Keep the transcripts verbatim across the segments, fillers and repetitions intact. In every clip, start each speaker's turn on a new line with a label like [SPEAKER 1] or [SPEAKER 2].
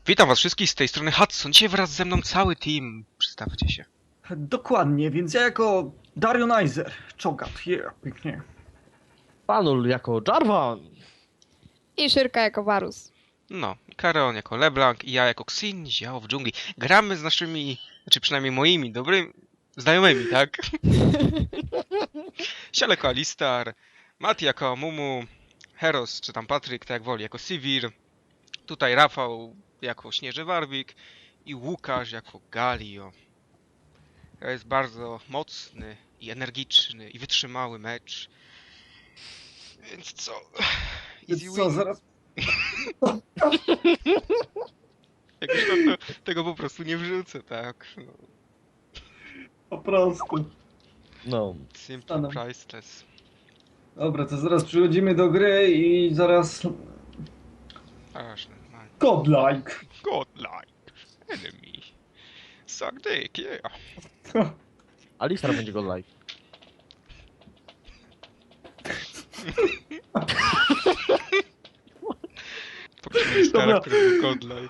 [SPEAKER 1] Witam was wszystkich z tej strony Hudson. Dzisiaj wraz ze mną cały team. Przedstawcie się.
[SPEAKER 2] Dokładnie, więc ja jako Darionizer, Cho'Gath, yeah, pięknie.
[SPEAKER 3] Panul jako Jarvan.
[SPEAKER 4] I Szyrka jako Varus.
[SPEAKER 1] No, Kareon jako LeBlanc i ja jako Xin, Ziao w dżungli. Gramy z naszymi, znaczy przynajmniej moimi dobrymi znajomymi, tak? Siale jako Alistar, Mati jako Mumu, Heros czy tam Patryk, tak jak woli, jako Sivir. Tutaj Rafał jako Śnieży Warwik i Łukasz jako Galio. To jest bardzo mocny i energiczny i wytrzymały mecz. Więc co? Easy
[SPEAKER 2] Więc co,
[SPEAKER 1] win.
[SPEAKER 2] zaraz...
[SPEAKER 1] Jakoś tam to, tego po prostu nie wrzucę, tak? No,
[SPEAKER 2] Po prostu.
[SPEAKER 3] No.
[SPEAKER 1] simple
[SPEAKER 2] Ano.
[SPEAKER 1] priceless.
[SPEAKER 2] Dobra, to zaraz przychodzimy do gry i zaraz...
[SPEAKER 1] Aż normalnie.
[SPEAKER 2] Godlike.
[SPEAKER 1] Godlike. Enemy. Suck dick, yeah.
[SPEAKER 3] Alistar będzie go like.
[SPEAKER 1] Poprosimy stara,
[SPEAKER 2] Dobra.
[SPEAKER 1] który był godlike.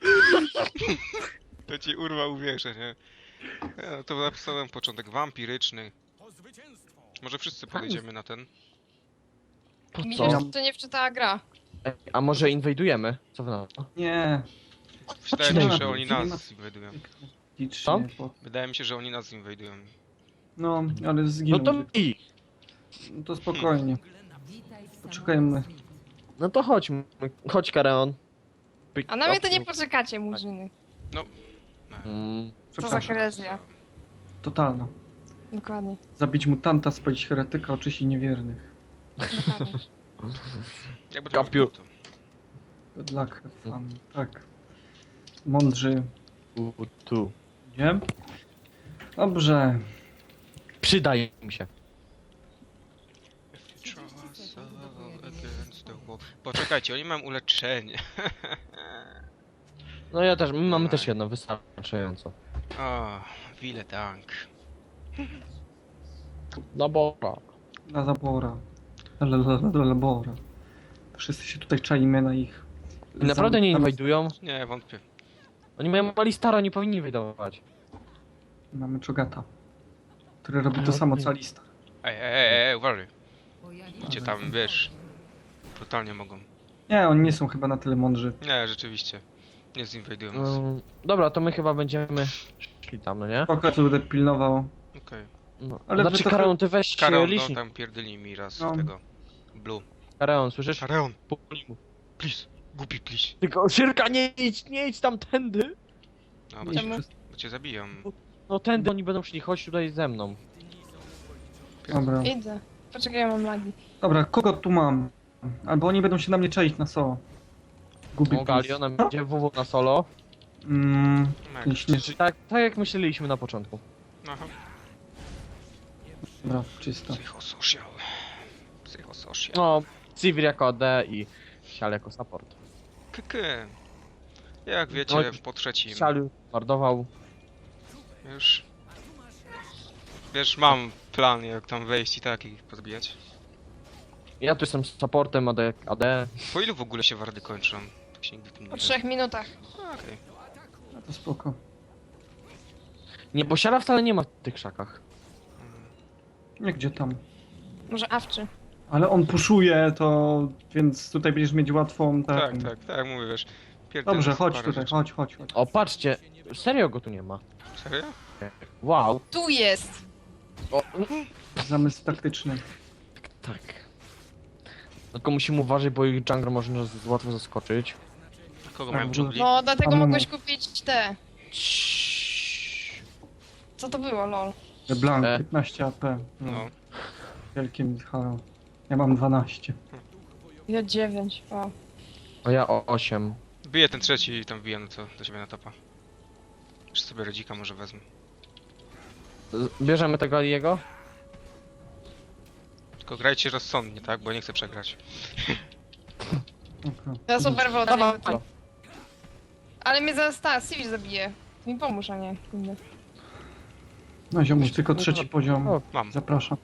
[SPEAKER 1] To ci urwał uwierzę, nie? Ja, to napisałem początek wampiryczny. Może wszyscy podejdziemy na ten?
[SPEAKER 3] Po
[SPEAKER 4] Mi
[SPEAKER 3] co?
[SPEAKER 4] się to nie wczytała gra.
[SPEAKER 3] Ej, a może inwajdujemy? Co wy na to?
[SPEAKER 2] Nie.
[SPEAKER 1] Wydaje mi się,
[SPEAKER 2] Zaczynamy.
[SPEAKER 1] że oni
[SPEAKER 2] Nie ma-
[SPEAKER 1] nas inwajdują.
[SPEAKER 2] Licznie, bo...
[SPEAKER 1] Wydaje mi się, że oni nas inwajdują.
[SPEAKER 2] No, ale
[SPEAKER 3] No
[SPEAKER 2] zginął.
[SPEAKER 3] to i.
[SPEAKER 2] No to spokojnie. Poczekajmy.
[SPEAKER 3] No to chodźmy. Chodź Kareon. Pick
[SPEAKER 4] A na mnie to
[SPEAKER 3] up.
[SPEAKER 4] nie poczekacie, murzyny.
[SPEAKER 3] Mm,
[SPEAKER 4] Co za
[SPEAKER 2] Przepraszam.
[SPEAKER 4] herezja.
[SPEAKER 2] Totalna.
[SPEAKER 4] Dokładnie.
[SPEAKER 2] Zabić mutanta, spalić heretyka, oczyścić niewiernych.
[SPEAKER 4] Dokładnie.
[SPEAKER 1] Jakby
[SPEAKER 3] Kapiu.
[SPEAKER 1] to
[SPEAKER 2] Good luck, have fun. Tak. Mądrzy.
[SPEAKER 3] u, tu.
[SPEAKER 2] Nie? Dobrze.
[SPEAKER 3] Przydaje mi się.
[SPEAKER 1] Against the wall. Poczekajcie, oni mają uleczenie.
[SPEAKER 3] No ja też, my mamy też jedno, wystarczająco.
[SPEAKER 1] O, wile tank.
[SPEAKER 3] No bo...
[SPEAKER 2] Na zabora. La, la, la, la, labora. Wszyscy się tutaj czaimy na ich...
[SPEAKER 3] Naprawdę nie
[SPEAKER 2] Zam-
[SPEAKER 3] inwajdują?
[SPEAKER 1] Nie, wątpię.
[SPEAKER 3] Oni mają Alistara, nie powinni inwajdować.
[SPEAKER 2] Mamy Cho'Gatha, który robi to samo co Alistar.
[SPEAKER 1] Ej, ej, ej, ej, uważaj. Gdzie tam, wiesz, brutalnie mogą.
[SPEAKER 2] Nie, oni nie są chyba na tyle mądrzy.
[SPEAKER 1] Nie, rzeczywiście. Nie zinwajdują nas.
[SPEAKER 3] Mm, dobra, to my chyba będziemy szli tam, no nie?
[SPEAKER 2] Spoko, co będę pilnował.
[SPEAKER 1] Okej.
[SPEAKER 3] No.
[SPEAKER 2] Ale
[SPEAKER 3] Znaczy
[SPEAKER 2] wy to-
[SPEAKER 3] Kareon, ty weź
[SPEAKER 1] Kareon, no
[SPEAKER 3] licznik.
[SPEAKER 1] tam pierdyli mi raz
[SPEAKER 2] No.
[SPEAKER 1] tego. Blue.
[SPEAKER 3] Kareon, słyszysz?
[SPEAKER 1] Kareon,
[SPEAKER 3] Puknij mu.
[SPEAKER 1] please. Głupi, please.
[SPEAKER 3] Tylko Szyrka, nie idź, nie idź tam tędy!
[SPEAKER 1] No, bo
[SPEAKER 2] Nie,
[SPEAKER 1] cię,
[SPEAKER 4] Czemu?
[SPEAKER 2] wszyscy-
[SPEAKER 1] bo cię zabiją.
[SPEAKER 3] No tędy oni będą szli, chodź tutaj ze mną.
[SPEAKER 2] Dobra.
[SPEAKER 4] Idę. Poczekaj, ja mam lagi.
[SPEAKER 2] Dobra, kogo tu mam? Albo oni będą się na mnie czaić na so. Gubi
[SPEAKER 3] O, Galio nam idzie W W na solo.
[SPEAKER 2] Mm,
[SPEAKER 1] No,
[SPEAKER 2] ten śnieży...
[SPEAKER 3] Tak, tak jak myśleliśmy na początku.
[SPEAKER 1] Aha.
[SPEAKER 2] Dobra, czysto.
[SPEAKER 1] Psychosocial. Psychosocial.
[SPEAKER 3] No, Sivir jako A D i Sial jako support.
[SPEAKER 1] Kyky. Jak wiecie,
[SPEAKER 3] No,
[SPEAKER 1] po trzecim.
[SPEAKER 3] Sial mordował.
[SPEAKER 1] Już. Wiesz, mam plan, jak tam wejść i tak ich pozbijać.
[SPEAKER 3] Ja tu jestem supportem A D. A D.
[SPEAKER 1] Po ilu w ogóle się wardy kończą? Tak się nigdy tym nie
[SPEAKER 4] Po
[SPEAKER 1] wiem.
[SPEAKER 4] trzech minutach.
[SPEAKER 1] A, okej.
[SPEAKER 2] A to spoko.
[SPEAKER 3] Nie, bo Siala wcale nie ma w tych krzakach.
[SPEAKER 2] Nie, gdzie tam?
[SPEAKER 4] Może awczy.
[SPEAKER 2] Ale on puszuje to, więc tutaj będziesz mieć łatwą...
[SPEAKER 1] Tak,
[SPEAKER 2] ten-
[SPEAKER 1] tak, tak, jak mówię, wiesz. pierdolę
[SPEAKER 2] Dobrze,
[SPEAKER 1] sobie
[SPEAKER 2] chodź
[SPEAKER 1] parę
[SPEAKER 2] tutaj,
[SPEAKER 1] rzeczy.
[SPEAKER 2] chodź, chodź, chodź.
[SPEAKER 3] O, patrzcie, serio go tu nie ma.
[SPEAKER 1] Serio?
[SPEAKER 3] Wow.
[SPEAKER 4] Tu jest!
[SPEAKER 3] O,
[SPEAKER 2] Zamysł taktyczny.
[SPEAKER 3] tak. Tylko musimy uważać, bo ich jungler może nas łatwo zaskoczyć.
[SPEAKER 1] Kogo
[SPEAKER 2] Tak,
[SPEAKER 1] mają w
[SPEAKER 2] w
[SPEAKER 1] dżungli?
[SPEAKER 4] No, dlatego
[SPEAKER 2] Amumu.
[SPEAKER 4] mogłeś kupić te. Co to było, lol?
[SPEAKER 2] LeBlanc,
[SPEAKER 3] E.
[SPEAKER 2] piętnaście A P. No.
[SPEAKER 1] No.
[SPEAKER 2] Wielkie Michał. Ja mam dwanaście.
[SPEAKER 4] Ja dziewięć, o.
[SPEAKER 3] A ja o osiem.
[SPEAKER 1] Biję ten trzeci i tam biję no to do siebie na topa. Jeszcze sobie rodzika może wezmę.
[SPEAKER 3] Z- Bierzemy tego Aliego?
[SPEAKER 1] Tylko grajcie rozsądnie, tak? Bo ja nie chcę przegrać.
[SPEAKER 2] Okay.
[SPEAKER 4] Ja super woda.
[SPEAKER 3] Dawaj.
[SPEAKER 4] Ale mnie zaraz ta, Sivir zabije. Mi pomóż, a nie. Kurde.
[SPEAKER 2] No ziomuś, tylko trzeci poziom.
[SPEAKER 3] O,
[SPEAKER 1] Mam.
[SPEAKER 2] Zapraszam.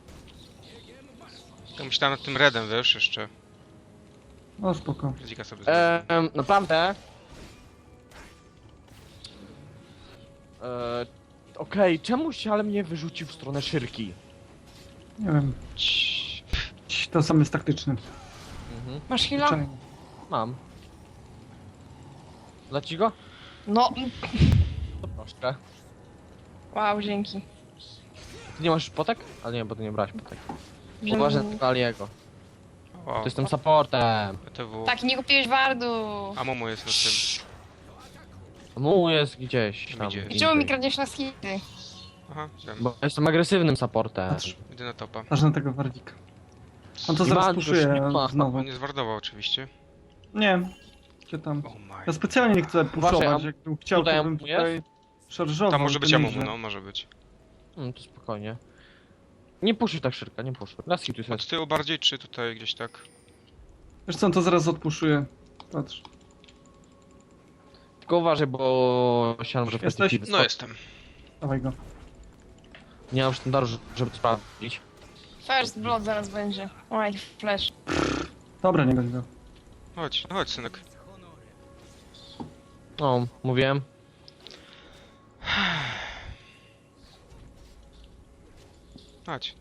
[SPEAKER 1] Ja myślałem nad tym redem, wiesz, jeszcze.
[SPEAKER 2] No spoko.
[SPEAKER 1] Rodzika sobie zrobię.
[SPEAKER 3] Ehm, naprawdę? Eee, Okej, czemu się ale mnie wyrzucił w stronę szyrki?
[SPEAKER 2] Nie wiem. To sam jest taktyczny.
[SPEAKER 3] Mhm.
[SPEAKER 4] Masz heal'a?
[SPEAKER 2] Czaj.
[SPEAKER 3] Mam. Dla ci go?
[SPEAKER 4] No.
[SPEAKER 3] To proszę.
[SPEAKER 4] Wow, dzięki.
[SPEAKER 3] Ty nie masz potek? Ale nie, bo ty nie brałeś potek.
[SPEAKER 4] Że-
[SPEAKER 3] Uważaj na Aliego.
[SPEAKER 1] Wow.
[SPEAKER 3] To jestem supportem.
[SPEAKER 1] B T W.
[SPEAKER 4] Tak, nie kupiłeś wardu.
[SPEAKER 1] A Momo jest na tym.
[SPEAKER 3] Mu jest gdzieś tam.
[SPEAKER 1] Gdzie?
[SPEAKER 4] I czemu mi
[SPEAKER 3] indziej.
[SPEAKER 4] kradniesz na skity?
[SPEAKER 1] Aha, wiem.
[SPEAKER 3] Bo jestem agresywnym supportem.
[SPEAKER 2] Patrz,
[SPEAKER 1] Idę na topa.
[SPEAKER 2] patrz na tego Warwika. On to
[SPEAKER 3] Nie
[SPEAKER 2] zaraz
[SPEAKER 3] ma,
[SPEAKER 2] puszuje
[SPEAKER 3] już nie ma.
[SPEAKER 2] znowu.
[SPEAKER 1] On nie zwardował oczywiście.
[SPEAKER 2] Nie. Gdzie tam?
[SPEAKER 1] Oh my.
[SPEAKER 2] Ja specjalnie nie chcę puszować,
[SPEAKER 3] am-
[SPEAKER 2] jakbym chciał,
[SPEAKER 3] tutaj
[SPEAKER 2] to bym
[SPEAKER 3] amu jest?
[SPEAKER 2] tutaj szarżował.
[SPEAKER 1] Tam może
[SPEAKER 2] to
[SPEAKER 1] być
[SPEAKER 2] nie,
[SPEAKER 1] Amumu,
[SPEAKER 2] że-
[SPEAKER 1] no, może być.
[SPEAKER 3] Hmm, to spokojnie. Nie puszuj tak szybko, nie puszuj. Las tu
[SPEAKER 1] Od
[SPEAKER 3] jest.
[SPEAKER 1] tyłu bardziej, czy tutaj gdzieś tak?
[SPEAKER 2] Wiesz co, on to zaraz odpuszuje. Patrz.
[SPEAKER 3] Tylko uważaj, bo siano, że
[SPEAKER 2] Jesteś?
[SPEAKER 3] wchodzi
[SPEAKER 1] No jestem.
[SPEAKER 2] Dawaj go.
[SPEAKER 3] Nie mam sztandaru, żeby to sprawdzić.
[SPEAKER 4] First blood zaraz będzie. Oj, flash.
[SPEAKER 2] Dobra, nie goń go.
[SPEAKER 1] Chodź, chodź synek.
[SPEAKER 3] No, mówiłem.
[SPEAKER 1] Chodź.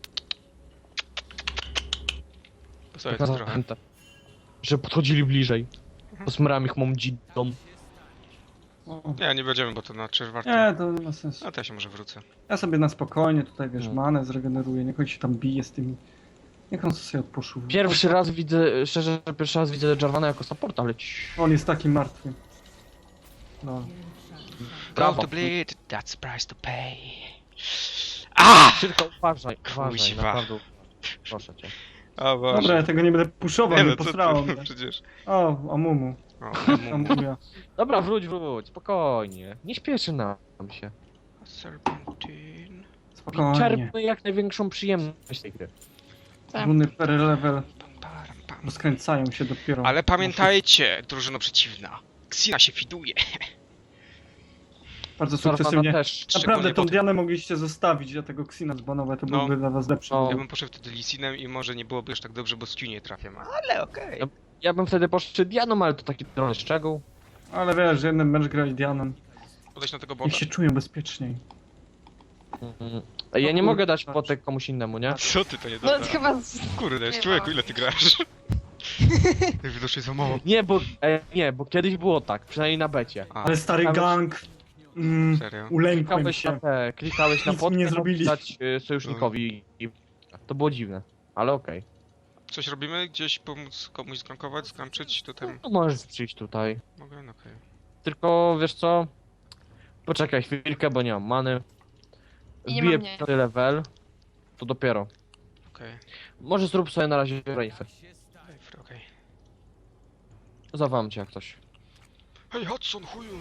[SPEAKER 1] Posłuchaj to trochę.
[SPEAKER 3] Pamiętam, że podchodzili bliżej. Posmyrałem ich mą dzidą.
[SPEAKER 2] O.
[SPEAKER 1] Nie, nie będziemy, bo to na czerwarty.
[SPEAKER 2] Nie, to nie ma sensu.
[SPEAKER 1] A to ja się może wrócę.
[SPEAKER 2] Ja sobie na spokojnie tutaj, wiesz,
[SPEAKER 3] No.
[SPEAKER 2] manę zregeneruję, niech on się tam bije z tymi... Niech on sobie odpuszył.
[SPEAKER 3] Pierwszy raz widzę, szczerze, pierwszy raz widzę Jarvana jako supporta, ale ci...
[SPEAKER 2] On jest taki martwy. No.
[SPEAKER 3] Brawo.
[SPEAKER 1] Go to bleed, that's price to pay. Ah!
[SPEAKER 3] Szybko, uważaj, uważaj,
[SPEAKER 1] Kuźwa.
[SPEAKER 3] naprawdę. Proszę cię.
[SPEAKER 1] O Boże.
[SPEAKER 2] Dobra, ja tego nie będę puszował,
[SPEAKER 1] nie
[SPEAKER 2] nie
[SPEAKER 1] no, co
[SPEAKER 2] posrało
[SPEAKER 1] ty,
[SPEAKER 2] mnie.
[SPEAKER 1] przecież.
[SPEAKER 2] O, Amumu.
[SPEAKER 1] O, Amumu.
[SPEAKER 2] Amuja.
[SPEAKER 3] Dobra, wróć, wróć, spokojnie. Nie śpieszy nam się.
[SPEAKER 1] Serpentine.
[SPEAKER 2] Spokojnie.
[SPEAKER 3] Czerpmy jak największą przyjemność z tej gry.
[SPEAKER 4] Tak.
[SPEAKER 2] Runy per level
[SPEAKER 1] Pam, param, pam.
[SPEAKER 2] rozkręcają się dopiero.
[SPEAKER 1] Ale pamiętajcie, drużyno przeciwna. Xina się fiduje.
[SPEAKER 2] Bardzo
[SPEAKER 3] Jarvana
[SPEAKER 2] sukcesywnie.
[SPEAKER 3] też.
[SPEAKER 2] Naprawdę
[SPEAKER 1] Szczególnie
[SPEAKER 2] tą
[SPEAKER 1] po tym-
[SPEAKER 2] Dianę mogliście zostawić, ja tego Xina zbanować, to
[SPEAKER 1] No.
[SPEAKER 2] byłby dla was lepszy.
[SPEAKER 3] No.
[SPEAKER 1] Ja bym poszedł wtedy Lisinem i może nie byłoby już tak dobrze, bo z Q nie trafiam. Ale okej.
[SPEAKER 3] No. Ja bym wtedy poszedł Dianą, ale to taki drobny szczegół.
[SPEAKER 2] Ale wiesz, że jeden mecz grać Dianą.
[SPEAKER 1] Podejść na tego
[SPEAKER 2] Niech
[SPEAKER 1] bota.
[SPEAKER 2] się czują bezpieczniej.
[SPEAKER 3] Mhm. Ja nie
[SPEAKER 2] No
[SPEAKER 3] mogę
[SPEAKER 2] kurde,
[SPEAKER 3] dać
[SPEAKER 2] patrz.
[SPEAKER 3] potek komuś innemu, nie?
[SPEAKER 1] Co ty, to nie
[SPEAKER 4] No
[SPEAKER 1] dobra.
[SPEAKER 4] chyba... z-
[SPEAKER 1] Kurde,
[SPEAKER 4] Nie
[SPEAKER 1] człowieku,
[SPEAKER 4] ma.
[SPEAKER 1] ile ty grasz? Jak widocznie za mało.
[SPEAKER 3] Nie, bo e, nie, bo kiedyś było tak, przynajmniej na becie.
[SPEAKER 1] A,
[SPEAKER 2] Ale stary
[SPEAKER 3] Tam-
[SPEAKER 2] gang... Mm,
[SPEAKER 1] serio?
[SPEAKER 2] ulękłem
[SPEAKER 3] Klikałeś na
[SPEAKER 2] się.
[SPEAKER 3] te, klikałeś na
[SPEAKER 2] Nic mi nie
[SPEAKER 3] potkę,
[SPEAKER 2] zrobili.
[SPEAKER 3] dać y, sojusznikowi i to było dziwne, ale okej.
[SPEAKER 1] Coś robimy? Gdzieś pomóc komuś skrankować, skamczyć? Tutaj
[SPEAKER 3] No możesz przyjść tutaj.
[SPEAKER 1] mogę? No okej.
[SPEAKER 3] Tylko wiesz co? Poczekaj chwilkę, bo nie mam many.
[SPEAKER 4] I nie
[SPEAKER 3] Wbiję
[SPEAKER 4] mam nie.
[SPEAKER 3] piąty level. To dopiero.
[SPEAKER 1] Okej.
[SPEAKER 3] Może zrób sobie na razie rejfy.
[SPEAKER 1] Okej, okej.
[SPEAKER 3] Zawam cię jak coś.
[SPEAKER 1] Hej, Hudson, chuju!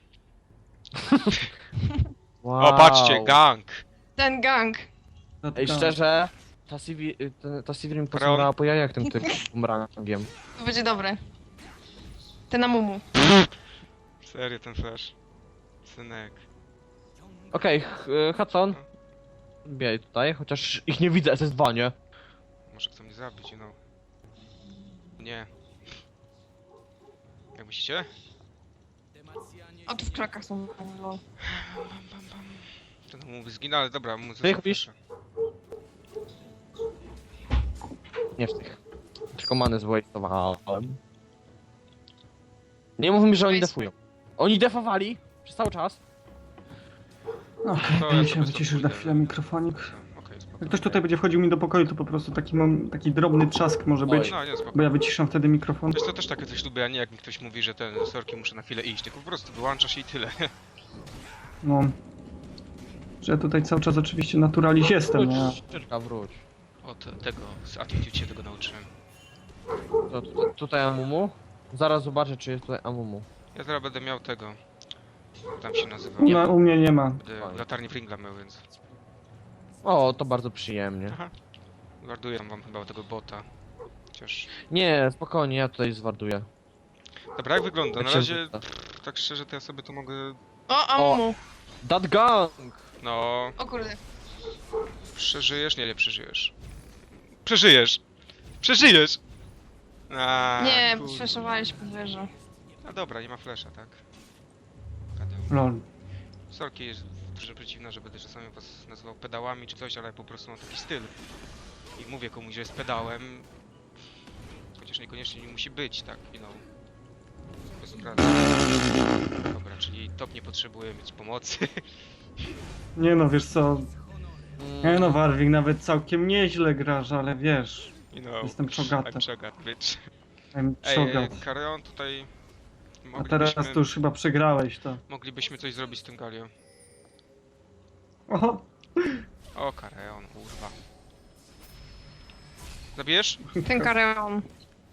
[SPEAKER 3] Wow.
[SPEAKER 1] O, patrzcie, gang!
[SPEAKER 4] Ten gang.
[SPEAKER 3] Ej, szczerze, ta Sivir, y, ta- ta Sivir mi posłuchała po jajach tym tym bumerangiem.
[SPEAKER 4] To będzie dobre. Ten na mumu.
[SPEAKER 1] Serio, ten flash. Synek.
[SPEAKER 3] Okej, okay, Hudson. Bijaj tutaj, chociaż ich nie widzę, S S dwa, nie?
[SPEAKER 1] Może chcą mnie zabić, no. Nie. Jak myślicie?
[SPEAKER 4] O, tu w krakach są. Lol.
[SPEAKER 1] Bam, bam, bam. Ten mu zginął, ale dobra, mu
[SPEAKER 3] Ty kupisz? Nie w tych. Tylko many zwojtowałem. Nie mów mi, że oni
[SPEAKER 4] Weź.
[SPEAKER 3] defują. Oni defowali przez cały czas.
[SPEAKER 2] Okej,
[SPEAKER 1] To
[SPEAKER 2] okay,
[SPEAKER 1] ja
[SPEAKER 2] ja się
[SPEAKER 1] sobie
[SPEAKER 2] wyciszył na
[SPEAKER 1] stąd
[SPEAKER 2] chwilę
[SPEAKER 1] pójdę.
[SPEAKER 2] mikrofonik.
[SPEAKER 1] Okej, spoko.
[SPEAKER 2] Jak ktoś tutaj będzie wchodził mi do pokoju, to po prostu taki mam, taki drobny trzask może
[SPEAKER 3] Oj.
[SPEAKER 2] być,
[SPEAKER 1] No, nie, spoko.
[SPEAKER 2] bo ja wyciszam wtedy mikrofon.
[SPEAKER 1] Wiesz co, też takie coś lubię, a nie jak mi ktoś mówi, że ten sorki muszę na chwilę iść, tylko po prostu wyłączasz i tyle.
[SPEAKER 2] No. Że ja tutaj cały czas oczywiście naturaliz jestem, nie?
[SPEAKER 3] Wróć, czyczka, wróć.
[SPEAKER 1] Od tego, z attitude się tego nauczyłem.
[SPEAKER 3] To, tu- tutaj Amumu. Zaraz zobaczę, czy jest tutaj Amumu.
[SPEAKER 1] Ja teraz będę miał tego... jak tam się nazywa?
[SPEAKER 2] No, u mnie nie ma.
[SPEAKER 1] Będę latarnię Fringla miał, więc...
[SPEAKER 3] O, to bardzo przyjemnie.
[SPEAKER 1] Aha. Guarduję wam chyba tego bota. Chociaż...
[SPEAKER 3] Nie, spokojnie, ja tutaj zwarduję.
[SPEAKER 1] Dobra, jak wygląda?
[SPEAKER 3] Jak
[SPEAKER 1] Na
[SPEAKER 3] się
[SPEAKER 1] razie,
[SPEAKER 3] rzuca.
[SPEAKER 1] pff, tak szczerze, to ja sobie to mogę...
[SPEAKER 4] O, a mumu.
[SPEAKER 3] That gang!
[SPEAKER 1] No...
[SPEAKER 4] O kurde.
[SPEAKER 1] Przeżyjesz? Nie, nie przeżyjesz. Przeżyjesz! Przeżyjesz! A,
[SPEAKER 4] Nie,
[SPEAKER 1] kurde.
[SPEAKER 4] przeszowałeś po wieży.
[SPEAKER 1] A dobra, nie ma flesza, tak? Gadał.
[SPEAKER 2] Lol.
[SPEAKER 1] Sorki jest dużo przeciwna, że będę czasami was nazywał pedałami czy coś, ale po prostu mam taki styl. I mówię komuś, że jest pedałem, chociaż niekoniecznie nie musi być, tak, you know. Bez obrazu. Dobra, czyli top nie potrzebuje mieć pomocy.
[SPEAKER 2] Nie no, wiesz co,
[SPEAKER 3] Mm,
[SPEAKER 2] nie no, Warwick nawet całkiem nieźle grasz, ale wiesz,
[SPEAKER 1] You know,
[SPEAKER 2] jestem czogaty.
[SPEAKER 1] I'm czogat, bitch.
[SPEAKER 2] I'm
[SPEAKER 1] Ej,
[SPEAKER 2] czogat.
[SPEAKER 1] Kareon tutaj...
[SPEAKER 2] A teraz
[SPEAKER 1] Moglibyśmy,
[SPEAKER 2] to już chyba przegrałeś to.
[SPEAKER 1] moglibyśmy coś zrobić z tym Galio.
[SPEAKER 2] O,
[SPEAKER 1] O, Kareon, kurwa. Zabijesz?
[SPEAKER 4] Ten kareon.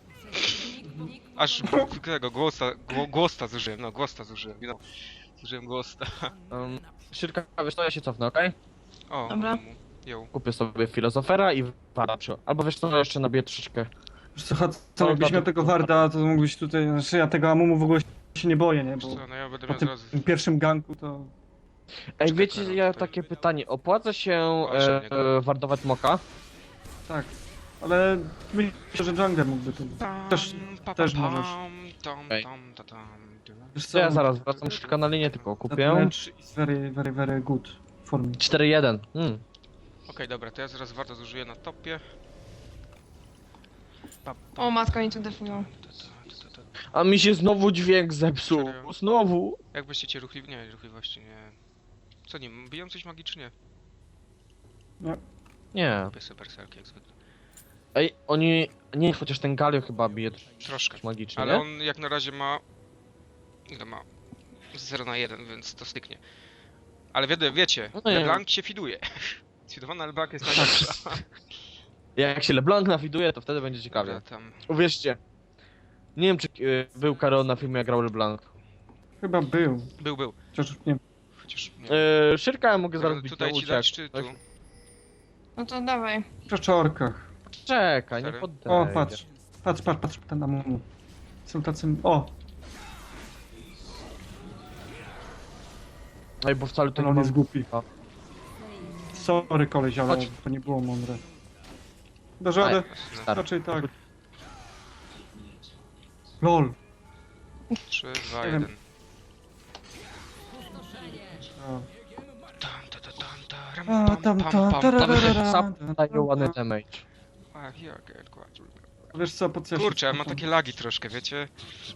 [SPEAKER 1] Aż tego głosta, gło, głosta zużyłem, no głosta zużyłem, you know. Zużyłem głosta.
[SPEAKER 3] Um, Szyrka, wiesz co, ja się cofnę, okej?
[SPEAKER 1] O,
[SPEAKER 4] Dobra.
[SPEAKER 1] mu. Ją.
[SPEAKER 3] Kupię sobie filozofera i Warda przy... Albo wiesz co, jeszcze nabiję troszeczkę.
[SPEAKER 2] wiesz co, Hot, co jakbyś miał tego Warda, to mógłbyś tutaj, znaczy ja tego Amumu w ogóle się nie boję, nie,
[SPEAKER 1] Wiesz
[SPEAKER 2] bo
[SPEAKER 1] co, no ja będę
[SPEAKER 2] po
[SPEAKER 1] miał
[SPEAKER 2] tym,
[SPEAKER 1] zaraz...
[SPEAKER 2] tym pierwszym ganku to...
[SPEAKER 3] Ej,
[SPEAKER 1] Czekaj,
[SPEAKER 3] wiecie,
[SPEAKER 1] Karol,
[SPEAKER 3] ja
[SPEAKER 1] tutaj.
[SPEAKER 3] takie pytanie, opłaca się
[SPEAKER 1] Właśnie,
[SPEAKER 3] e,
[SPEAKER 1] nie,
[SPEAKER 3] e, wardować moka?
[SPEAKER 2] Tak, ale myślę, że jungler mógłby to... Też,
[SPEAKER 1] pa,
[SPEAKER 2] też
[SPEAKER 1] pa,
[SPEAKER 2] możesz.
[SPEAKER 1] Tam,
[SPEAKER 3] Ej.
[SPEAKER 1] tam, ta, tam, tam.
[SPEAKER 2] Wiesz
[SPEAKER 3] To ja zaraz wracam Szyrka na linię, tylko
[SPEAKER 2] That
[SPEAKER 3] kupię.
[SPEAKER 2] match is very, very, very good for me.
[SPEAKER 3] cztery jeden. Hmm.
[SPEAKER 1] Okej, dobra, to ja zaraz warto zużyję na topie. Pa, pa,
[SPEAKER 4] O, matko, oni tu defują.
[SPEAKER 1] ta, ta, ta, ta, ta.
[SPEAKER 3] A mi się znowu dźwięk zepsuł.
[SPEAKER 1] Serio?
[SPEAKER 3] Znowu.
[SPEAKER 1] Jak byście ruchli... Nie, ruchliwości nie... Co nie, biją coś magicznie?
[SPEAKER 3] Nie.
[SPEAKER 1] Lubię super selki jak zwykle.
[SPEAKER 3] Ej, oni... Nie, chociaż ten Galio chyba bije
[SPEAKER 1] Troszkę.
[SPEAKER 3] magicznie,
[SPEAKER 1] Ale
[SPEAKER 3] nie?
[SPEAKER 1] on jak na razie ma... Ile ma? zero na jeden, więc to styknie. Ale wie, wiecie,
[SPEAKER 3] No nie.
[SPEAKER 1] LeBlanc się fiduje. Sfidowana LeBlanc jest najlepsza.
[SPEAKER 3] Jak się LeBlanc nawiduje, to wtedy będzie ciekawie.
[SPEAKER 1] Dobra, tam...
[SPEAKER 3] Uwierzcie. Nie wiem, czy y, był Karol na filmie, jak grał LeBlanc.
[SPEAKER 2] Chyba był,
[SPEAKER 1] Był, był.
[SPEAKER 2] chociaż nie
[SPEAKER 1] Chociaż nie.
[SPEAKER 3] Yy, Szyrka ja mogę zaraz bić
[SPEAKER 1] Tutaj
[SPEAKER 3] na
[SPEAKER 1] ci dać,
[SPEAKER 3] uciek.
[SPEAKER 1] czy tu?
[SPEAKER 4] No to dawaj.
[SPEAKER 2] w przeczorkach.
[SPEAKER 3] Czekaj, nie
[SPEAKER 1] Sorry.
[SPEAKER 3] poddaję.
[SPEAKER 2] O, patrz, patrz, patrz, patrz, ten Amumu. Są tacy... O,
[SPEAKER 3] Ej, bo wcale to
[SPEAKER 2] ten
[SPEAKER 3] nie
[SPEAKER 2] on
[SPEAKER 3] mam...
[SPEAKER 2] jest głupi.
[SPEAKER 3] A.
[SPEAKER 2] Sorry koleś, ale
[SPEAKER 3] Chodź.
[SPEAKER 2] to nie było mądre. Do żadę,
[SPEAKER 3] Stary.
[SPEAKER 2] raczej tak. LOL.
[SPEAKER 1] trzy, dwa,
[SPEAKER 2] Nie wiem.
[SPEAKER 1] jeden.
[SPEAKER 2] A.
[SPEAKER 1] Tam, ta, ta, tam, ta, ram,
[SPEAKER 2] A,
[SPEAKER 1] pam,
[SPEAKER 2] tam,
[SPEAKER 1] pam,
[SPEAKER 2] tam,
[SPEAKER 1] pam,
[SPEAKER 2] tarara.
[SPEAKER 1] pam.
[SPEAKER 3] Sam daje ładny damage.
[SPEAKER 1] A, here, get quadruple.
[SPEAKER 2] Wiesz co, po co ja się
[SPEAKER 1] Kurczę, ja mam
[SPEAKER 2] cofam?
[SPEAKER 1] takie lagi troszkę, wiecie?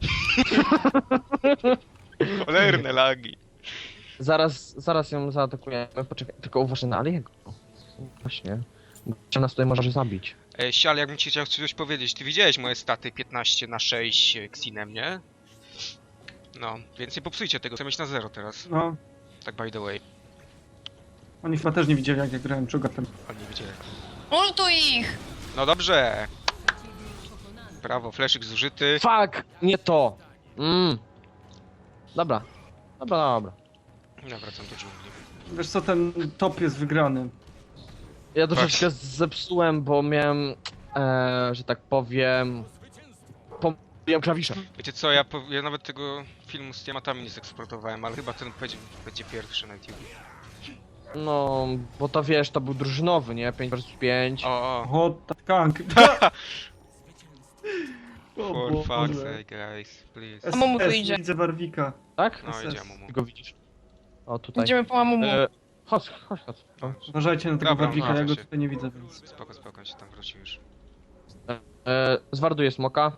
[SPEAKER 1] Cholerne lagi.
[SPEAKER 3] Zaraz, zaraz ją zaatakujemy. Poczekaj, tylko uważaj na Aliego. Właśnie. Bo nas tutaj możesz zabić.
[SPEAKER 1] Ej, Sial, jakbym ci chciał coś powiedzieć, ty widziałeś moje staty piętnaście na sześć Xinem, nie? No, więc nie popsujcie tego, chcę mieć na zero teraz.
[SPEAKER 2] No,
[SPEAKER 1] Tak by the way,
[SPEAKER 2] oni chyba też nie widzieli jak ja grałem czogatem.
[SPEAKER 1] oni nie wiedzieli.
[SPEAKER 4] Ultuj ich!
[SPEAKER 1] No dobrze! Brawo, fleszyk zużyty.
[SPEAKER 3] Fuck! Nie to! Mm. Dobra. Dobra, dobra.
[SPEAKER 1] Ja wracam do dżungli.
[SPEAKER 2] Wiesz co, ten top jest wygrany.
[SPEAKER 3] Ja troszeczkę zepsułem, bo miałem, e, że tak powiem... Pomyliłem klawisze.
[SPEAKER 1] Wiecie co, ja, po, ja nawet tego filmu z tematami nie zeksportowałem, ale chyba ten będzie, będzie pierwszy na YouTube.
[SPEAKER 3] No, bo to wiesz, to był drużynowy, nie? pięć versus pięć.
[SPEAKER 1] O, o,
[SPEAKER 2] Hot tank. O
[SPEAKER 1] for
[SPEAKER 2] Boże.
[SPEAKER 1] fuck's sake, guys, please.
[SPEAKER 2] S-
[SPEAKER 4] Amumu tu
[SPEAKER 2] S,
[SPEAKER 4] idzie.
[SPEAKER 2] Widzę Warwika.
[SPEAKER 3] Tak?
[SPEAKER 1] No
[SPEAKER 2] S S.
[SPEAKER 1] idzie Mumu.
[SPEAKER 3] Ty go widzisz. O, tutaj.
[SPEAKER 4] Idziemy po Amumu.
[SPEAKER 3] E, chodź, chodź, chodź. O.
[SPEAKER 2] Uważajcie na tego
[SPEAKER 1] Dobra,
[SPEAKER 2] Warwika,
[SPEAKER 1] no,
[SPEAKER 2] ja go
[SPEAKER 1] się.
[SPEAKER 2] tutaj nie widzę, więc...
[SPEAKER 1] Spoko, spoko, on się tam wróci już.
[SPEAKER 3] E, zwarduję smoka.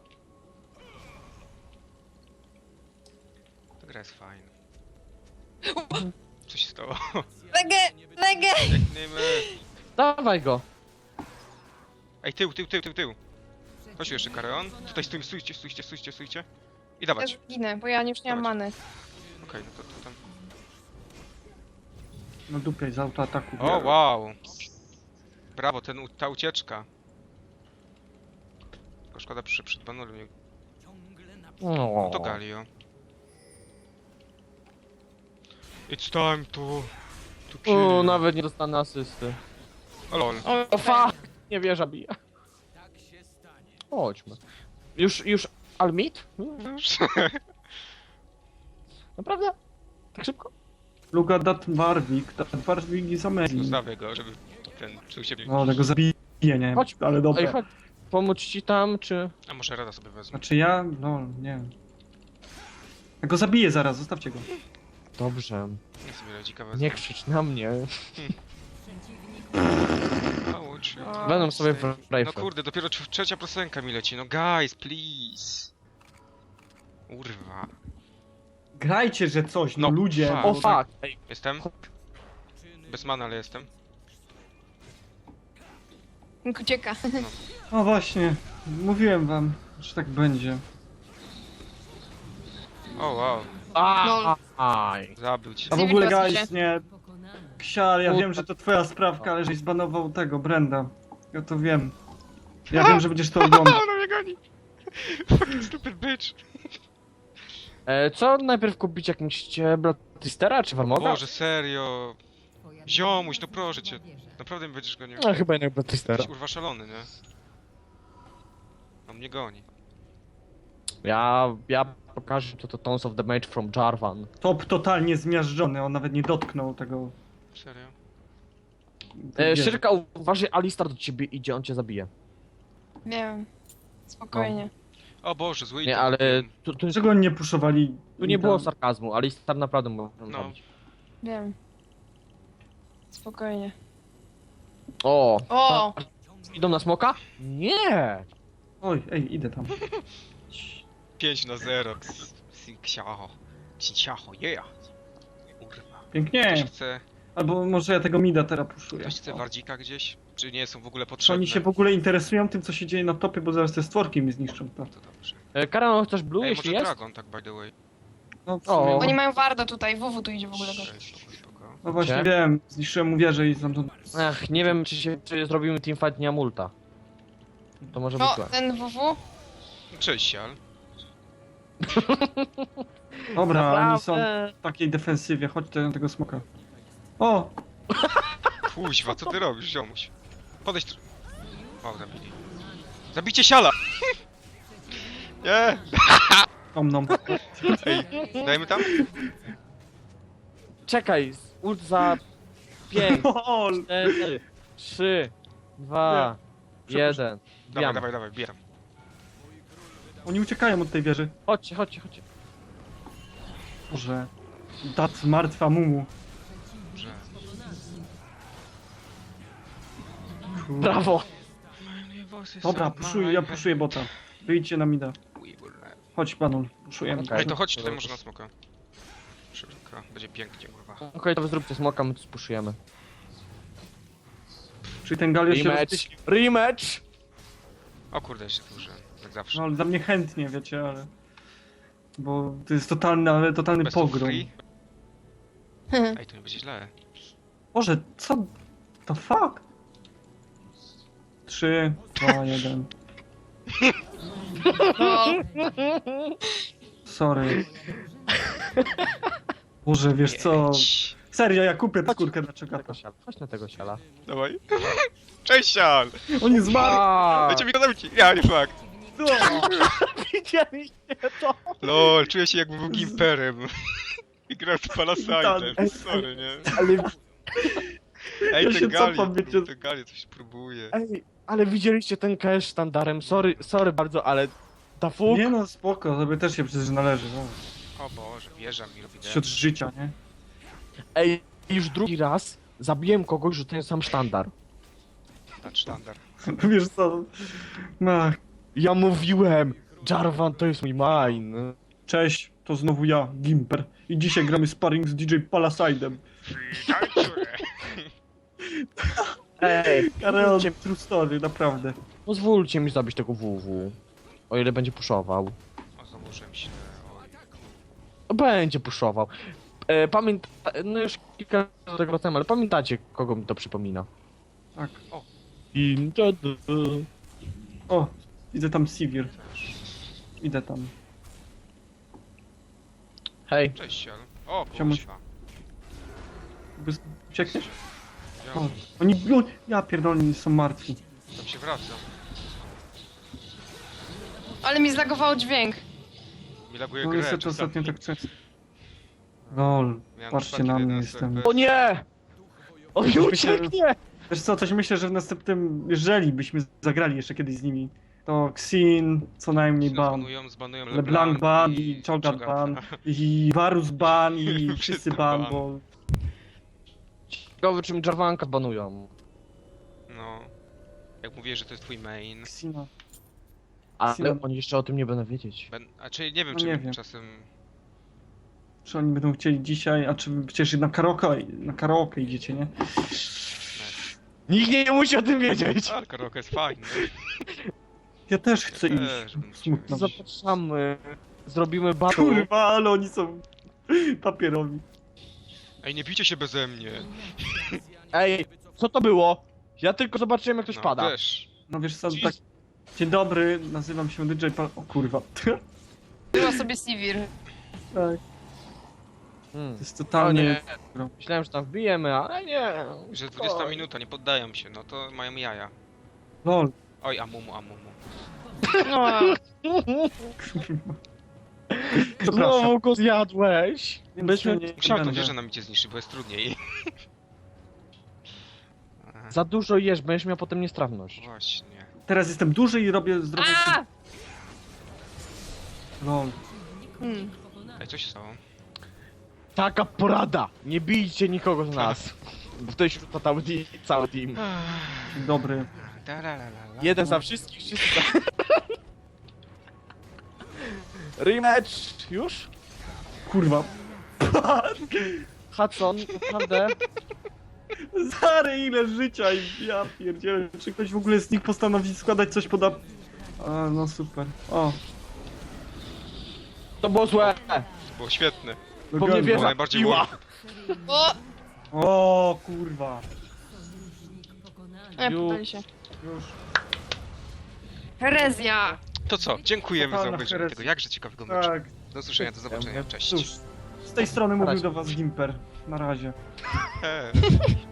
[SPEAKER 1] Ta gra jest fajna. Co się stało?
[SPEAKER 4] Legę! Legę!
[SPEAKER 1] Biegniemy.
[SPEAKER 3] Dawaj go.
[SPEAKER 1] Ej, tył, tył, tył, tył, tył. Chodź jeszcze, Kareon. Tutaj stój, stójcie, stójcie, stójcie, stójcie. I
[SPEAKER 4] Też
[SPEAKER 1] dawać.
[SPEAKER 4] ginę, bo ja już nie mam
[SPEAKER 1] Dawaj.
[SPEAKER 4] many.
[SPEAKER 1] Okej, no to, to tam.
[SPEAKER 2] No dupiaj z autoataku.
[SPEAKER 1] O, wow! Brawo, ten, u- ta ucieczka. Tylko szkoda, przy, przed banolem nie...
[SPEAKER 3] O.
[SPEAKER 1] To Galio. It's time to... to kill.
[SPEAKER 3] O, nawet nie dostanę asysty.
[SPEAKER 1] O lol.
[SPEAKER 4] O,
[SPEAKER 3] O fuck! Nie wierzę, bije. Chodźmy. Już, już Almit? Naprawdę? Tak szybko?
[SPEAKER 2] Luka dat Warwik, dat Warwik jest amazing.
[SPEAKER 1] Zostawię go, żeby ten czuł się...
[SPEAKER 2] No, tego zabiję, nie?
[SPEAKER 3] Chodź.
[SPEAKER 2] Ale
[SPEAKER 3] Ej,
[SPEAKER 2] dobra.
[SPEAKER 3] chodź. Pomóc ci tam, czy...
[SPEAKER 1] A może Rada sobie wezmę.
[SPEAKER 2] Znaczy ja? No, nie wiem. Ja go zabiję zaraz, zostawcie go.
[SPEAKER 3] Dobrze.
[SPEAKER 1] Nie sobie lodzika wezmę.
[SPEAKER 3] Nie krzycz na mnie.
[SPEAKER 1] Naucz.
[SPEAKER 4] O,
[SPEAKER 3] Będą sobie w
[SPEAKER 1] No
[SPEAKER 3] rifle.
[SPEAKER 1] kurde, dopiero tr- trzecia piosenka mi leci. No guys, please. Urwa.
[SPEAKER 2] Grajcie, że coś, no,
[SPEAKER 1] No,
[SPEAKER 2] ludzie.
[SPEAKER 1] fuck.
[SPEAKER 2] bo
[SPEAKER 3] O
[SPEAKER 2] tak-
[SPEAKER 3] fuck! Ej,
[SPEAKER 1] Jestem? Bez mana, ale jestem.
[SPEAKER 4] ucieka.
[SPEAKER 2] No właśnie, mówiłem wam, że tak będzie.
[SPEAKER 1] O wow,
[SPEAKER 3] a, aj.
[SPEAKER 1] zabił cię.
[SPEAKER 2] A w
[SPEAKER 4] Civil
[SPEAKER 2] ogóle,
[SPEAKER 4] Class
[SPEAKER 2] guys, nie... Ksial, ja wiem, że to twoja sprawka, ale żeś zbanował tego, Brenda. Ja to wiem. Ja wiem, że będziesz to oglądał.
[SPEAKER 1] Ona mnie goni. Fucking stupid bitch.
[SPEAKER 3] E, co najpierw kupić, jak myślicie, Bloodthirstera czy Warmoga?
[SPEAKER 1] Boże, serio. Ziomuś, no proszę cię. Naprawdę mi będziesz gonił.
[SPEAKER 3] No chyba jednak Bloodthirstera.
[SPEAKER 1] Jesteś urwa szalony, nie? On mnie goni.
[SPEAKER 3] Ja, ja pokażę to, to Tones of the Mage from Jarvan.
[SPEAKER 2] Top totalnie zmiażdżony, on nawet nie dotknął tego...
[SPEAKER 1] Serio?
[SPEAKER 3] E,
[SPEAKER 2] wieży.
[SPEAKER 3] Szyrka, uważaj, Alistar do ciebie idzie, on cię zabije.
[SPEAKER 4] Wiem. Spokojnie.
[SPEAKER 1] O Boże, zły
[SPEAKER 3] Nie,
[SPEAKER 1] item
[SPEAKER 3] ale
[SPEAKER 1] kupiłem.
[SPEAKER 3] tu, tu,
[SPEAKER 2] Dlaczego oni nie puszowali?
[SPEAKER 3] tu nie
[SPEAKER 2] tam?
[SPEAKER 3] było sarkazmu, Alistar naprawdę mógł
[SPEAKER 1] No.
[SPEAKER 3] zabić.
[SPEAKER 4] Wiem. Spokojnie.
[SPEAKER 3] O!
[SPEAKER 4] O!
[SPEAKER 3] Idą na smoka? Nie!
[SPEAKER 2] Oj, ej, idę tam.
[SPEAKER 1] pięć na zero. Sinciacho. Sinciacho, yeah. Urwa. Ktoś
[SPEAKER 2] Pięknie.
[SPEAKER 1] chce,
[SPEAKER 2] Albo może ja tego mida teraz puszuję.
[SPEAKER 1] ktoś chce
[SPEAKER 2] O.
[SPEAKER 1] wardzika gdzieś? Czy nie są w ogóle
[SPEAKER 2] Czy
[SPEAKER 1] potrzebne?
[SPEAKER 2] oni się w ogóle interesują tym, co się dzieje na topie, bo zaraz te stworki mi zniszczą. To.
[SPEAKER 1] To dobrze.
[SPEAKER 3] E, Karan, chcesz blue,
[SPEAKER 1] Ej,
[SPEAKER 3] jeśli
[SPEAKER 1] może
[SPEAKER 3] jest?
[SPEAKER 1] Dragon, tak by the way.
[SPEAKER 2] No, w
[SPEAKER 3] O.
[SPEAKER 2] sumie,
[SPEAKER 4] Oni mają Warda tutaj, W W tu idzie w ogóle.
[SPEAKER 1] Ej, spoko, spoko.
[SPEAKER 2] no właśnie
[SPEAKER 3] Gdzie?
[SPEAKER 2] wiem, zniszczyłem mu wieżę i tam...
[SPEAKER 3] Ech, nie wiem, czy, się, czy zrobimy teamfight nie multa. To może być
[SPEAKER 4] O,
[SPEAKER 3] złe.
[SPEAKER 4] ten W W?
[SPEAKER 1] Cześć, Sial.
[SPEAKER 2] Dobra, oni są w takiej defensywie, chodźcie na tego smoka. O!
[SPEAKER 1] Kuźwa, co ty robisz, ziomuś? Podejdź tr... O, zabili. Zabijcie Siala! Nie!
[SPEAKER 2] Om nom.
[SPEAKER 1] Ej, dajmy tam?
[SPEAKER 3] Czekaj, ult za pięć,
[SPEAKER 2] O,
[SPEAKER 3] cztery, trzy, dwa, jeden.
[SPEAKER 1] Dawaj,
[SPEAKER 3] Bijamy.
[SPEAKER 1] dawaj, dawaj, bieram.
[SPEAKER 2] oni uciekają od tej wieży.
[SPEAKER 3] Chodźcie, chodźcie, chodźcie.
[SPEAKER 2] Boże. Dat martwa mumu.
[SPEAKER 1] Dobrze.
[SPEAKER 2] Kur-
[SPEAKER 3] Brawo!
[SPEAKER 2] Dobra, puszuję, ja puszuję bota. Wyjdźcie na mida. Chodź, Banul, puszujemy.
[SPEAKER 3] Okej.
[SPEAKER 1] Ej, to chodź tutaj może na smoka. Szybko, będzie pięknie, kurwa.
[SPEAKER 3] Okej, to wy zróbcie smoka, my tu spuszujemy.
[SPEAKER 2] Czyli ten Galio się
[SPEAKER 3] Rematch!
[SPEAKER 2] rozpyślił.
[SPEAKER 3] Rematch!
[SPEAKER 1] O kurde, jeszcze duży, jak zawsze.
[SPEAKER 2] No ale dla mnie chętnie, wiecie, ale... Bo to jest totalny, ale totalny
[SPEAKER 1] Best of
[SPEAKER 2] pogrom.
[SPEAKER 1] three? Ej, to nie będzie źle.
[SPEAKER 2] Boże, co? To fuck? Trzy, dwa, jeden.
[SPEAKER 4] No,
[SPEAKER 2] Sorry. Boże, wiesz co?
[SPEAKER 1] Jedź.
[SPEAKER 2] Serio, ja kupię skórkę dla czekata.
[SPEAKER 3] Tego siala. Chodź na tego siala.
[SPEAKER 1] Dawaj. Cześć, Sial!
[SPEAKER 2] Oni zmarli!
[SPEAKER 1] Dajcie mi go zabić! Ja, nie fakt.
[SPEAKER 2] No.
[SPEAKER 3] Widzieliście to?
[SPEAKER 1] Lol, czuję się jakby był gimperem. I grał z Palasajdem, sorry, nie?
[SPEAKER 3] Ale,
[SPEAKER 1] Ej,
[SPEAKER 2] Ja
[SPEAKER 1] ten
[SPEAKER 2] się
[SPEAKER 1] Gali,
[SPEAKER 2] cofam, wiecie.
[SPEAKER 1] ten Gali coś próbuje.
[SPEAKER 3] ej, ale widzieliście ten cash sztandarem? Sorry, sorry bardzo, ale ta fuk...
[SPEAKER 2] Nie no, spoko, sobie też się przecież należy. No.
[SPEAKER 1] O Boże, wieża mi robi
[SPEAKER 2] Wśród życia, nie?
[SPEAKER 3] Ej, już drugi raz zabiłem kogoś, że ten sam sztandar.
[SPEAKER 1] ten sztandar.
[SPEAKER 2] Wiesz co? No,
[SPEAKER 3] Ja mówiłem! Jarvan to jest mój mine.
[SPEAKER 2] cześć, to znowu ja, Gimper. I dzisiaj gramy sparring z D J Palasajdem.
[SPEAKER 3] Ej,
[SPEAKER 2] Karel,
[SPEAKER 3] pozwólcie,
[SPEAKER 2] true story, naprawdę.
[SPEAKER 3] pozwólcie mi zabić tego W W. O ile będzie puszował.
[SPEAKER 1] O, założyłem się. Oj.
[SPEAKER 3] Będzie puszował. E, pamięta... No już kilka razy do tego wracałem, ale pamiętacie, kogo mi to przypomina?
[SPEAKER 2] Tak.
[SPEAKER 3] I...
[SPEAKER 2] O, widzę tam Sivir. Idę tam.
[SPEAKER 3] Hej,
[SPEAKER 1] Cześć, Sial. O,
[SPEAKER 2] Czemuś-
[SPEAKER 1] kuźwa.
[SPEAKER 2] Jakby uciekniesz?
[SPEAKER 1] Ja
[SPEAKER 2] O, oni, o, ja pierdolę, oni są martwi.
[SPEAKER 1] tam się wracam.
[SPEAKER 4] ale mi zlagowało dźwięk.
[SPEAKER 1] Mi laguje
[SPEAKER 2] No
[SPEAKER 1] grę
[SPEAKER 2] niestety
[SPEAKER 1] czasami.
[SPEAKER 2] ostatnio tak często. Lol,
[SPEAKER 1] Miałem
[SPEAKER 2] patrzcie
[SPEAKER 1] przypadki
[SPEAKER 2] na mnie,
[SPEAKER 1] jeden
[SPEAKER 2] jestem.
[SPEAKER 1] serwer.
[SPEAKER 3] o nie! On mi
[SPEAKER 2] Myślę, że-
[SPEAKER 3] ucieknie!
[SPEAKER 2] Wiesz co, coś myślę, że w następnym, jeżeli byśmy zagrali jeszcze kiedyś z nimi, To Xin, co najmniej ban.
[SPEAKER 1] Zbanują, zbanują
[SPEAKER 2] LeBlanc ban i Cho'Gath ban. I Varus ban i wszyscy
[SPEAKER 1] Wszyscy
[SPEAKER 2] ban,
[SPEAKER 1] ban.
[SPEAKER 2] bo...
[SPEAKER 3] Ciekawe czym Jarvanka banują.
[SPEAKER 1] No. Jak mówię, że to jest twój main.
[SPEAKER 2] Xina.
[SPEAKER 3] Ale
[SPEAKER 2] Xina.
[SPEAKER 3] oni jeszcze o tym nie będą wiedzieć.
[SPEAKER 1] Ben... A czy nie wiem,
[SPEAKER 2] No
[SPEAKER 1] czy
[SPEAKER 2] nie wiem.
[SPEAKER 1] czasem...
[SPEAKER 2] Czy oni będą chcieli dzisiaj, a czy przecież na karaoke, na karaoke idziecie, nie?
[SPEAKER 3] Nikt nie musi o tym wiedzieć!
[SPEAKER 1] A, karaoke jest fajny.
[SPEAKER 2] Ja też chcę
[SPEAKER 1] Ja
[SPEAKER 2] iść.
[SPEAKER 1] też bym
[SPEAKER 2] Smutno.
[SPEAKER 3] Zapraszamy. Zrobimy battle.
[SPEAKER 2] Kurwa, ale oni są papierowi.
[SPEAKER 1] Ej, nie bijcie się beze mnie.
[SPEAKER 3] Ej, co to było? Ja tylko zobaczyłem jak ktoś
[SPEAKER 1] No,
[SPEAKER 3] pada.
[SPEAKER 1] też.
[SPEAKER 2] No wiesz co,
[SPEAKER 1] Jeez.
[SPEAKER 2] tak... Dzień dobry, nazywam się D J Pal... O kurwa.
[SPEAKER 4] Była sobie Sivir.
[SPEAKER 2] Tak,
[SPEAKER 3] Hmm.
[SPEAKER 2] to jest
[SPEAKER 3] O
[SPEAKER 2] totalnie...
[SPEAKER 3] nie. Myślałem, że tam wbijemy, ale nie.
[SPEAKER 1] Że dwudziesta minuta, nie poddają się, no to mają jaja.
[SPEAKER 2] Lol.
[SPEAKER 1] Oj, amumu, amumu.
[SPEAKER 4] No,
[SPEAKER 2] Przepraszam.
[SPEAKER 3] Znowu go zjadłeś.
[SPEAKER 2] Więc
[SPEAKER 3] Byśmy-
[SPEAKER 2] nie, nie
[SPEAKER 1] Musiałem tą
[SPEAKER 2] będę.
[SPEAKER 1] wieżę na micie zniszczyć, bo jest trudniej.
[SPEAKER 3] Za dużo jesz, będziesz miał potem niestrawność.
[SPEAKER 1] Właśnie.
[SPEAKER 2] Teraz jestem duży i robię zdrowe...
[SPEAKER 4] a!
[SPEAKER 2] Lol.
[SPEAKER 4] Hmm.
[SPEAKER 1] Ej, co się stało?
[SPEAKER 3] Taka porada! Nie bijcie nikogo z nas. Bo wtedy się rzuca cały, team- cały team.
[SPEAKER 2] Dzień dobry.
[SPEAKER 1] Tarararara.
[SPEAKER 3] Jeden za wszystkich, wszyscy za... Rematch! Już?
[SPEAKER 2] Kurwa.
[SPEAKER 3] Hudson, naprawdę?
[SPEAKER 2] Zary, ile życia i ja pierdzielę. Czy ktoś w ogóle z nich postanowi składać coś poda... A, no super. O,
[SPEAKER 3] To było złe!
[SPEAKER 1] To było świetne.
[SPEAKER 3] Bo mnie
[SPEAKER 2] dogadłem.
[SPEAKER 3] wieża
[SPEAKER 1] najbardziej
[SPEAKER 3] piła.
[SPEAKER 4] O!
[SPEAKER 2] O, kurwa.
[SPEAKER 4] E,
[SPEAKER 3] Ju.
[SPEAKER 4] podali się.
[SPEAKER 2] Już.
[SPEAKER 4] Herezja!
[SPEAKER 1] To co? Dziękujemy za
[SPEAKER 2] Totalna
[SPEAKER 1] obejrzenie
[SPEAKER 2] herezja.
[SPEAKER 1] tego jakże ciekawego meczu.
[SPEAKER 2] Tak,
[SPEAKER 1] Do usłyszenia, do zobaczenia. Cześć.
[SPEAKER 2] cóż. Z tej strony mówił
[SPEAKER 3] razie.
[SPEAKER 2] do was Gimper. Na razie.
[SPEAKER 1] Hej.